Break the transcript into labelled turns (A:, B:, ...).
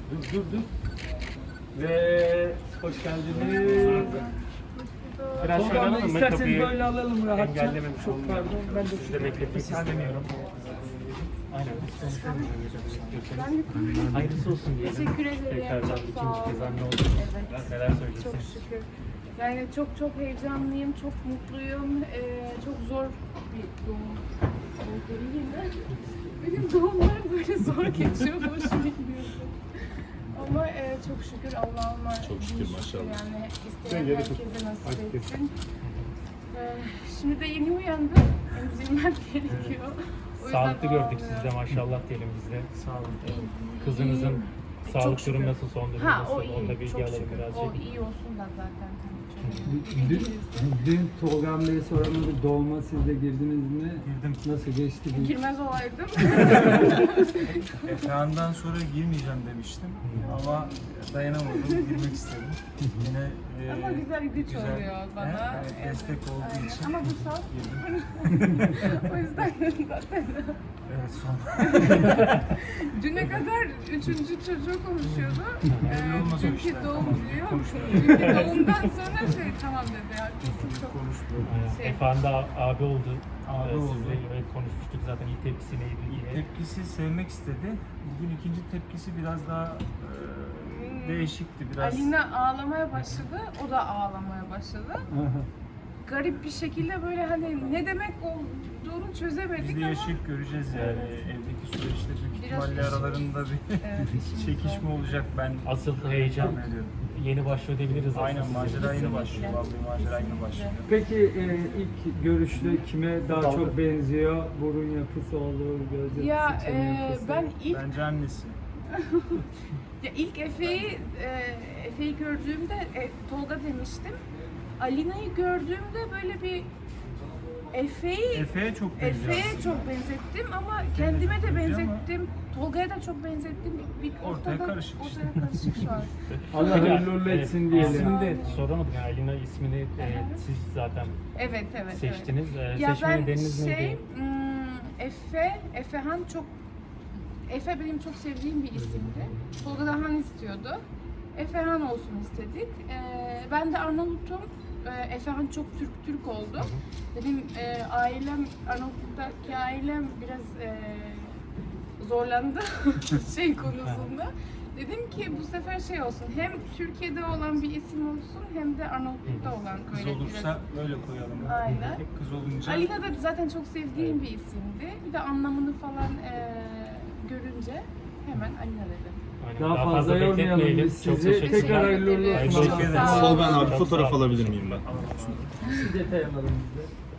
A: Dur. Ve hoş geldiniz. Biraz şöyle alalım mı?
B: İsterseniz
A: Kapıyı
B: böyle alalım rahatça.
A: engellememiş
B: Çok
A: olalım.
B: pardon, ben de
A: Sizi de bekletmek istemiyorum. Aynen. Hayırlısı olsun diyelim.
C: Teşekkür ederim.
A: Tekrardan
C: Çok
A: ikinci
C: sağ
A: kez
C: olun.
A: anne olduk.
C: Evet.
A: Neler söyleyeceksiniz?
C: Çok şükür. Yani çok heyecanlıyım, çok mutluyum. Çok zor bir doğum oldu yine. Benim doğumlarım böyle zor geçiyormuş bilmiyorum. Ama çok şükür Allah'ıma
D: Çok şükür, maşallah.
C: Yani isteyen herkese nasip etsin. Şimdi de yeni uyandım. Emzirmem gerekiyor. O yüzden
A: Sağlıklı gördük
C: ağlıyorum.
A: sizi de maşallah diyelim biz de.
B: Sağ olun.
A: Kızınızın
C: Çok
A: sağlık
C: şükür.
A: durumu nasıl, son durumu
C: Ha,
A: nasıl?
C: o iyi.
A: Onda bilgi
C: Çok
A: alalım
C: şükür.
A: birazcık.
C: O iyi olsun da zaten.
B: Dün Tolga Bey'e soramadık, doğuma siz de girdiniz mi?
E: Girdim.
B: Nasıl geçti?
C: Girmez olaydım.
E: Ekrandan sonra girmeyeceğim demiştim ama dayanamadım, girmek istedim. Yine
C: Ama güzel güç oluyor bana.
E: Evet, destek olduğu
C: Aynen.
E: için
C: Ama bu sağ
E: girdim.
C: o yüzden zaten.
E: Evet, son.
C: Düne kadar 3. çocuğu konuşuyordu.
E: Belli olmaz o
C: Çünkü
E: işler.
C: doğum
E: Tamam,
C: diyor.
E: konuşmuyorum.
C: Çünkü doğumdan sonra tamam dedi ya. Çok
E: Konuşmuyorum.
A: Aynen. Efendi abi oldu.
E: Abi oldu.
A: Sizle konuşmuştuk zaten, ilk tepkisi neydi diye.
E: Tepkisi sevmek istedi. Bugün ikinci tepkisi biraz daha değişikti. Biraz
C: Alina ağlamaya başladı. O da ağlamaya başladı. Garip bir şekilde böyle hani ne demek olduğunu çözemedik
E: biz de
C: ama
E: yaşayıp göreceğiz yani. Evdeki süreçte büyük
C: Biraz
E: ihtimalle
C: işimiz-
E: aralarında bir
C: evet, işimiz
E: çekişme
C: var.
E: olacak ben.
A: Asıl heyecan
E: tahmin ediyorum.
A: yeni başlıyor diyebiliriz aslında.
E: Aynen, macera yeni
C: Kesinlikle.
E: başlıyor. Vallahi macera yeni başlıyor.
B: Peki ilk görüşte kime daha çok benziyor? Burun yapısı olur, göz yapısı,
C: Ya
B: çene yapısı.
C: ben ilk
E: Bence annesi.
C: Efe'yi gördüğümde Tolga demiştim. Alina'yı gördüğümde böyle bir
E: Efe'ye çok benziyor.
C: Efe'ye çok benzettim ama kendime de benzettim. Tolga'ya da çok benzettim. Bir
E: Ortaya karışık işte.
C: Ortaya karışık şu an.
B: Allah hayırlı uğurlu etsin diyelim.
A: İsmini de soramadım yani, Alina ismini siz zaten
C: Evet.
A: seçtiniz.
C: Ya
A: Seçme
C: ben
A: nedeniniz neydi?
C: Efehan Efe benim çok sevdiğim bir isimdi. Tolga da Han istiyordu. Efehan olsun istedik. Ben de Arnavut'um. Efehan çok Türk oldu. Benim ailem, Arnavutluk'taki ailem biraz zorlandı şey konusunda. Dedim ki bu sefer şey olsun, hem Türkiye'de olan bir isim olsun hem de Arnavutluk'ta olan
E: Kız
C: böyle
E: olursa böyle koyalım.
C: Aynen.
E: Tek kız olunca
C: Alina da zaten çok sevdiğim bir isimdi. Bir de anlamını falan görünce hemen Alina dedim.
A: Aynen.
B: Daha fazla yormayalım
A: bekletmeyelim.
B: biz
A: Çok
B: sizi.
A: teşekkür
B: Tekrar
A: ederim.
B: hayırlı uğurlu
A: Hayırlı
B: olsun.
A: olsun.
C: Sağ olun.
D: Tolga abi
A: Çok
D: fotoğraf
A: sağ olun.
D: alabilir miyim ben?
B: Bir detay alalım biz de.